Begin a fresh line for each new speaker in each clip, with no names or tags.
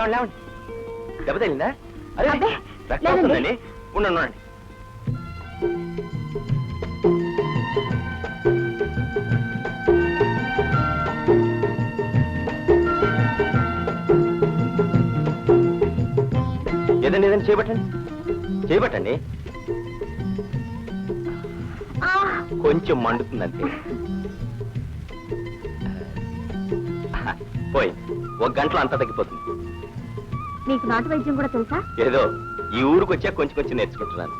లేవండి. దెబ్బ తగిలిందా? అదే
అబ్బే,
రక్తం వస్తుందండి. ఉండండి. ఏదండి చేయబట్టండి. కొంచెం మండుతుందంటే పోయి 1 గంటలో అంతా తగ్గిపోతుంది.
మీకు నాటు వైద్యం కూడా తెలుసా?
ఏదో ఈ ఊరికి వచ్చా కొంచెం నేర్చుకుంటున్నాను.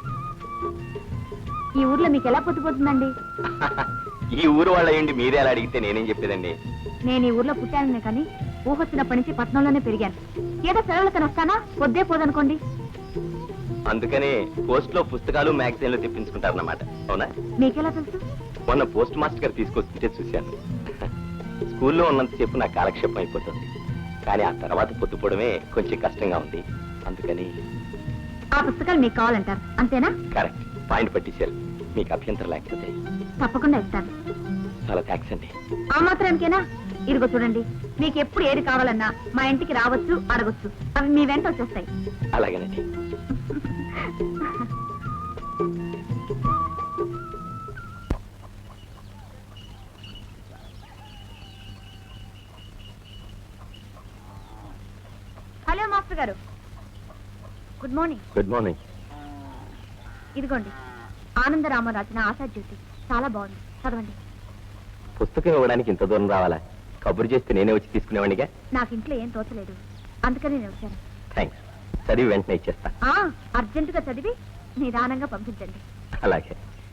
ఈ ఊర్లో మీకు ఎలా పొద్దుపోతుందండి?
ఈ ఊరు వాళ్ళ ఏంటి మీరే అలా అడిగితే నేనేం చెప్పేదండి.
నేను ఈ ఊర్లో పుట్టాను కానీ ఊహొచ్చినప్పటి నుంచి పట్నంలోనే పెరిగాను. ఏదో సెలవులకని వస్తానా పొద్దే పోదనుకోండి.
అందుకనే పోస్ట్ లో పుస్తకాలు మ్యాగజైన్లు తెప్పించుకుంటారన్నమాట. అవునా?
మీకెలా తెలుసు?
మొన్న పోస్ట్ మాస్టర్ గారు తీసుకొస్తుంటే చూశాను. స్కూల్లో ఉన్నంతసేపు నా కాలక్షేపం అయిపోతుంది. కానీ ఆ తర్వాత పొద్దుపోవడమే కొంచెం కష్టంగా ఉంది. అందుకని
ఆ పుస్తకాలు మీకు కావాలంటారు అంతేనా?
కరెక్ట్, పాయింట్ పట్టించారు. మీకు అభ్యంతరం లేకపోతే
తప్పకుండా ఇస్తాను.
చాలా థ్యాంక్స్ అండి.
ఆ మాత్రానికేనా? ఇదిగో చూడండి, మీకు ఎప్పుడు ఏది కావాలన్నా మా ఇంటికి రావచ్చు, అడగొచ్చు. అవి మీ వెంట వచ్చేస్తాయి.
అలాగేనండి.
హలో మాస్టర్ గారు, గుడ్ మార్నింగ్.
Good morning.
ఇదిగోండి, ఆనందరామ రాసిన ఆశాజ్యోతి. చాలా బాగుంది, చదవండి.
పుస్తకం ఇవ్వడానికి ఇంత దూరం రావాలా? కబురు చేస్తే నేనే వచ్చి తీసుకునేవాడిగా.
నాకు ఇంట్లో ఏం తోచలేదు, అందుకని నేను వచ్చాను.
థ్యాంక్స్. చదివి వెంటనే ఇచ్చేస్తా.
అర్జెంటుగా చదివి నిదానంగా పంపించండి.
అలాగే.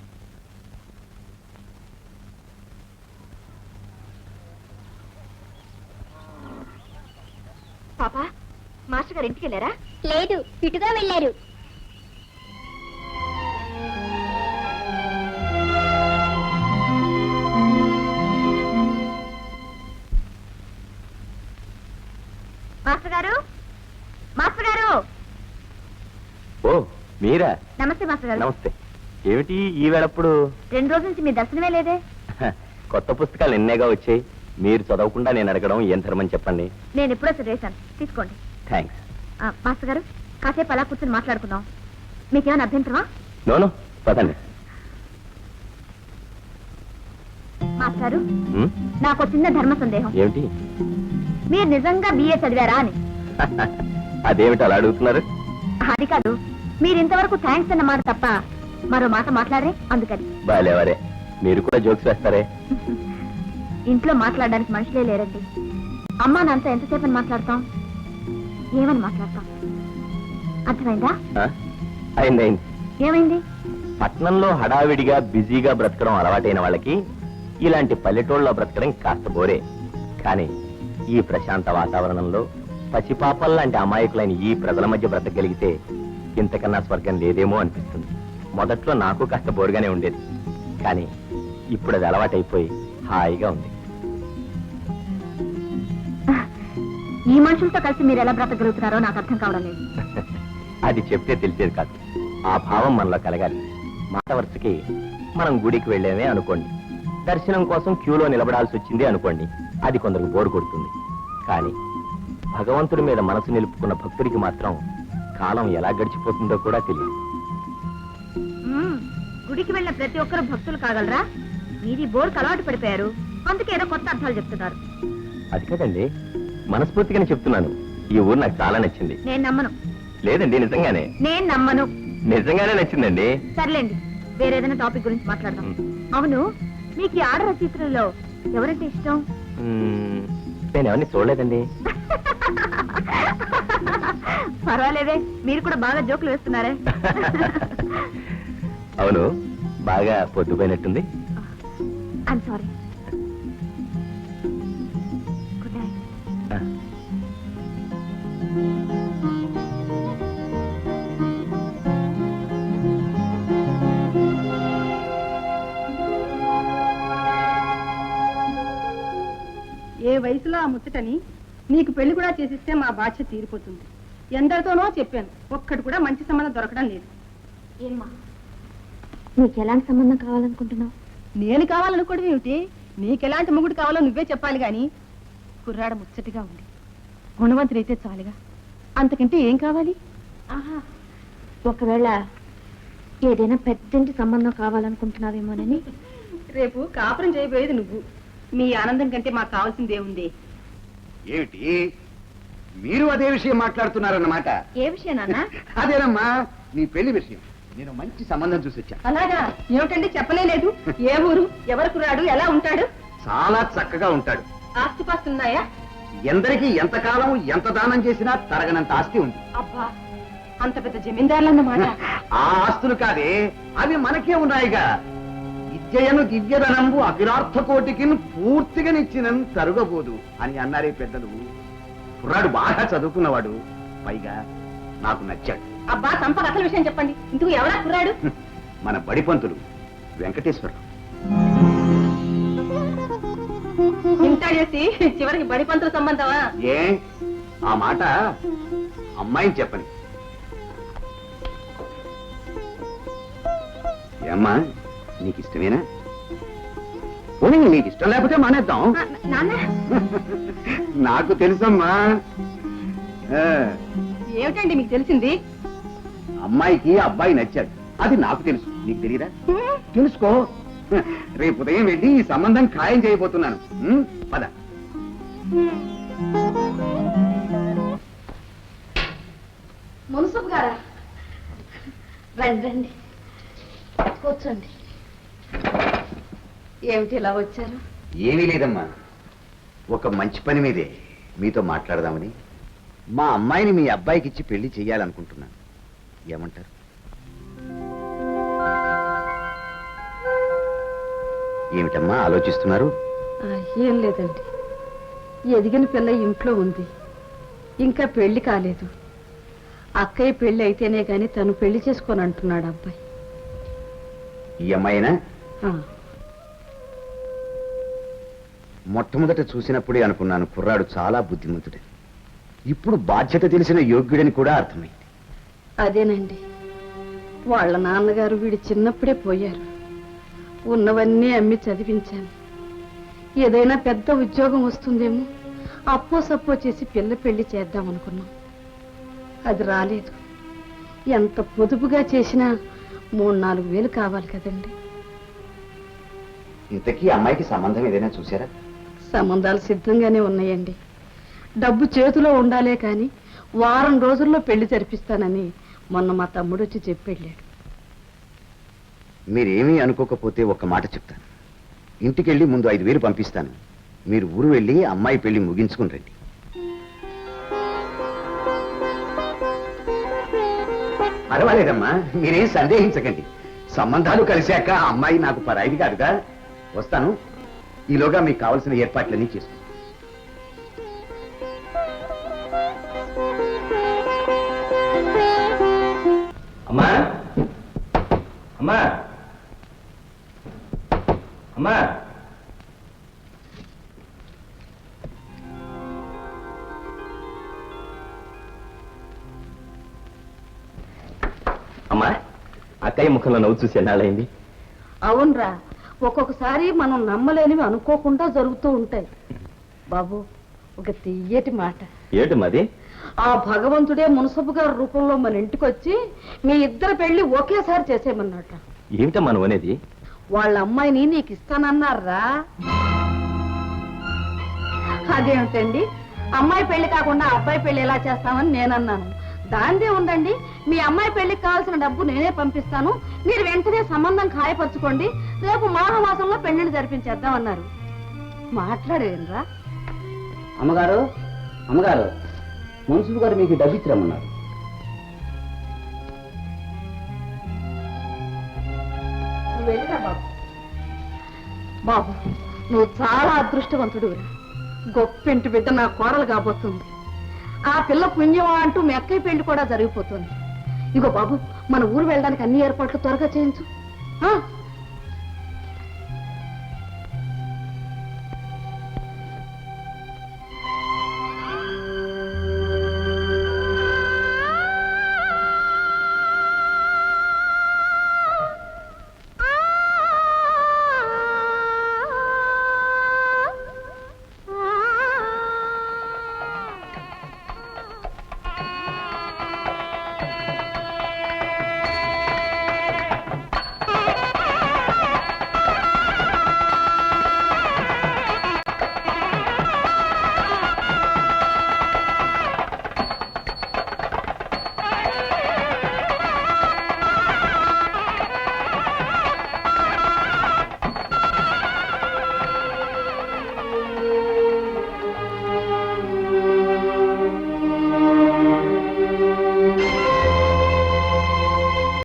పాపా, మాస్టర్ గారు ఇంటికి వెళ్ళారా?
లేదు, ఇటుగా వెళ్ళారు.
మాస్టర్ గారు, మాస్టర్ గారు.
ఓ మీరా?
నమస్తే మాస్టర్ గారు.
నమస్తే. ఏమిటి ఈ వేళప్పుడు?
2 రోజుల నుంచి మీ దర్శనమే లేదే.
కొత్త పుస్తకాలు ఎన్నేగా వచ్చాయి. మీరు చదవకుండా నేను అడగడం ఏం ధర్మని చెప్పండి.
నేను ఎప్పుడో చదివేశాను, తీసుకోండి.
థ్యాంక్స్.
మాస్టర్ గారు, కాసేపు అలా కూర్చొని మాట్లాడుకుందాం. మీకేమైనా అభ్యంతరమా?
నోను, పదండి.
మాస్టర్ గారు, నాకు చిన్న ధర్మ సందేహం.
ఏమిటి?
మీరు నిజంగా బిఏ చదివారా అని.
అదేమిటి అలా అడుగుతున్నారు?
అది కాదు, మీరు ఇంతవరకు థ్యాంక్స్ అన్న మాట తప్ప మరో మాట మాట్లాడరే, అందుకని.
బాలేవరే, మీరు కూడా జోక్స్ వేస్తారే.
ఇంట్లో మాట్లాడడానికి మనుషులే లేరండి. అమ్మా నాన్నతో ఎంతసేపు అని మాట్లాడతాం, ఏమని మాట్లాడతాం? అర్థమైందా?
అయింది.
ఏమైంది?
పట్నంలో హడావిడిగా బిజీగా బ్రతకడం అలవాటైన వాళ్ళకి ఇలాంటి పల్లెటూళ్ళలో బ్రతకడం కాస్త బోరే. కానీ ఈ ప్రశాంత వాతావరణంలో పసిపాపల్ లాంటి అమాయకులైన ఈ ప్రజల మధ్య బ్రతకగలిగితే ఇంతకన్నా స్వర్గం లేదేమో అనిపిస్తుంది. మొదట్లో నాకు కాస్త బోరుగానే ఉండేది, కానీ ఇప్పుడు అది అలవాటైపోయి హాయిగా ఉంది.
ఈ మనుషులతో కలిసి మీరు ఎలా బ్రతకగలుగుతున్నారో నాకు అర్థం కావడం లేదు.
అది చెప్తే తెలిసేది కాదు. ఆ భావం మనలో కలగాలి. మాట వరుసకి మనం గుడికి వెళ్ళేమే అనుకోండి, దర్శనం కోసం క్యూలో నిలబడాల్సి వచ్చింది అనుకోండి, అది కొందరికి బోరు కొడుతుంది. కానీ భగవంతుడి మీద మనసు నిలుపుకున్న భక్తుడికి మాత్రం కాలం ఎలా గడిచిపోతుందో కూడా తెలియదు.
గుడికి వెళ్ళిన ప్రతి ఒక్కరు భక్తులు కాగలరా? మీది బోర్కు అలవాటు పడిపోయారు, అందుకే ఏదో కొత్త అర్థాలు చెప్తున్నారు.
అది కదండి, మనస్ఫూర్తిగానే చెప్తున్నాను. ఈ ఊరు నాకు చాలా నచ్చింది.
నేను నమ్మను.
లేదండి, నిజంగానే.
నేను నమ్మను.
నిజంగానే నచ్చిందండి.
సర్లేండి, వేరేదైనా టాపిక్ గురించి మాట్లాడదాం. అవును, మీకు ఈ ఆడ రచయిత్రుల్లో ఎవరంటే ఇష్టం?
నేను ఎవరిని చూడలేదండి.
పర్వాలేదే, మీరు కూడా బాగా జోకులు వేస్తున్నారే.
అవును, బాగా పొద్దుపోయినట్టుంది.
I'm sorry. Good night.
ఏ వయసులో ఆ ముచ్చటని నీకు పెళ్లి కూడా చేసిస్తే మా బాధ్యత తీరిపోతుంది. ఎందరితోనో చెప్పాను, ఒక్కటి కూడా మంచి సంబంధం దొరకడం లేదు.
ఏమ్మా, నీకు ఎలాంటి సంబంధం కావాలనుకుంటున్నావు?
నేను కావాలనుకోవడం ఏమిటి? నీకెలాంటి మొగుడు కావాలో నువ్వే చెప్పాలి గాని. కుర్రాడ ముచ్చటిగా ఉంది, గుణవంతుడైతే చాలుగా. అంతకంటే ఏం కావాలి?
ఆహా, ఒకవేళ ఏదైనా పెద్దంటి సంబంధం కావాలనుకుంటున్నావేమోనని.
రేపు కాపురం చేయబోయేది నువ్వు. మీ ఆనందం కంటే మాకు కావాల్సింది ఏముంది?
ఏమిటి మీరు అదే విషయం మాట్లాడుతున్నారన్నమాట?
ఏ విషయం నాన్న?
అదేనమ్మా, నీ పెళ్లి విషయం. నేను మంచి సంబంధం చూసి వచ్చా.
అలాగా? ఏమిటండి చెప్పలేదు? ఏ ఊరు, ఎవరికి రాడు, ఎలా ఉంటాడు?
చాలా చక్కగా ఉంటాడు.
ఆస్తిపాస్తున్నాయా?
ఎందరికీ ఎంతకాలం ఎంత దానం చేసినా తరగనంత ఆస్తి ఉంది.
అబ్బా, అంత పెద్ద జమీందారులన్నమాట.
ఆ ఆస్తులు కాదే, అవి మనకే ఉన్నాయిగా. విద్యయను దివ్యధనంబు అఖిలార్థ కోటికి పూర్తిగా నిచ్చినను తరుగబోదు అని అన్నారే పెద్దలు. కుర్రాడు బాగా చదువుకున్నవాడు, పైగా నాకు నచ్చాడు.
అబ్బా, సంపద అసలు విషయం చెప్పండి. ఇందుకు ఎవరా కుర్రాడు?
మన బడిపంతులు వెంకటేశ్వరరావు.
ఇంత చేసి చివరికి బడిపంతుల సంబంధమా?
ఏ ఆ మాట అమ్మాయిని చెప్పని. ఏమ్మా, నీకు ఇష్టమేనా? పోనీ నీకు ఇష్టం లేకపోతే మానేద్దాం.
నాన్న,
నాకు తెలుసమ్మా.
ఏమిటండి మీకు తెలిసింది?
అమ్మాయికి అబ్బాయి నచ్చాడు, అది నాకు తెలుసు. నీకు తెలియదా? తెలుసుకో. రేపు ఉదయం వెళ్ళి ఈ సంబంధం ఖాయం చేయబోతున్నాను. పద.
మున్సబ్ గారా, రండి రండి, కూర్చోండి. ఏమిటి ఇలా వచ్చారు?
ఏమీ లేదమ్మా, ఒక మంచి పని మీదే మీతో మాట్లాడదామని. మా అమ్మాయిని మీ అబ్బాయికి ఇచ్చి పెళ్లి చెయ్యాలనుకుంటున్నాను. ఏమంటారు? ఏమిటమ్మా ఆలోచిస్తున్నారు?
ఏం లేదండి, ఎదిగిన పిల్ల ఇంట్లో ఉంది, ఇంకా పెళ్లి కాలేదు. అక్కయ్య పెళ్లి అయితేనే గాని తను పెళ్లి చేసుకొని అంటున్నాడు అబ్బాయి.
ఈ అమ్మాయినా?
ఆ,
మొట్టమొదట చూసినప్పుడే అనుకున్నాను కుర్రాడు చాలా బుద్ధిమంతుడని. ఇప్పుడు బాధ్యత తెలిసిన యోగ్యుడని కూడా అర్థమైంది.
అదేనండి, వాళ్ళ నాన్నగారు వీడి చిన్నప్పుడే పోయారు. ఉన్నవన్నీ అమ్మి చదివించాను. ఏదైనా పెద్ద ఉద్యోగం వస్తుందేమో అప్పో సప్పో చేసి పిల్ల పెళ్లి చేద్దాం అనుకున్నాం. అది రాలేదు. ఎంత పొదుపుగా చేసినా 3-4 వేలు కావాలి కదండి.
ఇంతకీ అమ్మాయికి సంబంధం ఏదైనా చూసారా?
సంబంధాలు సిద్ధంగానే ఉన్నాయండి. డబ్బు చేతిలో ఉండాలే కానీ వారం రోజుల్లో పెళ్లి జరిపిస్తానని మొన్న మా తమ్ముడు వచ్చి చెప్పెళ్ళాడు.
మీరేమీ అనుకోకపోతే ఒక్క మాట చెప్తాను. ఇంటికెళ్ళి ముందు 5,000 పంపిస్తాను. మీరు ఊరు వెళ్ళి అమ్మాయి పెళ్లి ముగించుకుని రండి. పర్వాలేదమ్మా, మీరేం సందేహించకండి. సంబంధాలు కలిశాక ఆ అమ్మాయి నాకు పరాయిది కాదుగా. వస్తాను. ఈలోగా మీకు కావలసిన ఏర్పాట్లన్నీ చేసుకో.
అమ్మా, అమ్మా, అమ్మా. అమ్మా, అక్కయ్య ముఖంలో నవ్వు చూసి ఎన్నాళ్ళైంది?
అవునరా, ఒక్కొక్కసారి మనం నమ్మలేనివి అనుకోకుండా జరుగుతూ ఉంటాయి. బాబు, ఒక తీయటి మాట.
ఏమిటి మాది?
ఆ భగవంతుడే మున్సబు గారి రూపంలో మన ఇంటికి వచ్చి మీ ఇద్దరు పెళ్లి ఒకేసారి చేసేయమన్నట.
ఏమిటమ్మా నువ్వు అనేది?
వాళ్ళ అమ్మాయిని నీకు ఇస్తానన్నారా? అదేమిటండి, అమ్మాయి పెళ్లి కాకుండా అబ్బాయి పెళ్లి ఎలా చేస్తామని నేనన్నాను. దాందే ఉందండి, మీ అమ్మాయి పెళ్లికి కావాల్సిన డబ్బు నేనే పంపిస్తాను, మీరు వెంటనే సంబంధం ఖాయపరచుకోండి, రేపు మాఘమాసంలో పెళ్లిని జరిపించేద్దామన్నారు. మాట్లాడేరా?
అమ్మగారు, అమ్మగారు, మున్సిపల్ గారు మీకు డబ్బు ఇచ్చిరమ్మన్నారు.
నువ్వు వెళ్ళిరా బాబు. బాబు, నువ్వు చాలా అదృష్టవంతుడు. గొప్పింటి బిడ్డ నా కోడలు కాబోతుంది. ఆ పిల్ల పుణ్యమా అంటూ మీ అక్కయ్య పెళ్లి కూడా జరిగిపోతుంది. ఇగో బాబు, మన ఊరు వెళ్ళడానికి అన్ని ఏర్పాట్లు త్వరగా చేయించు.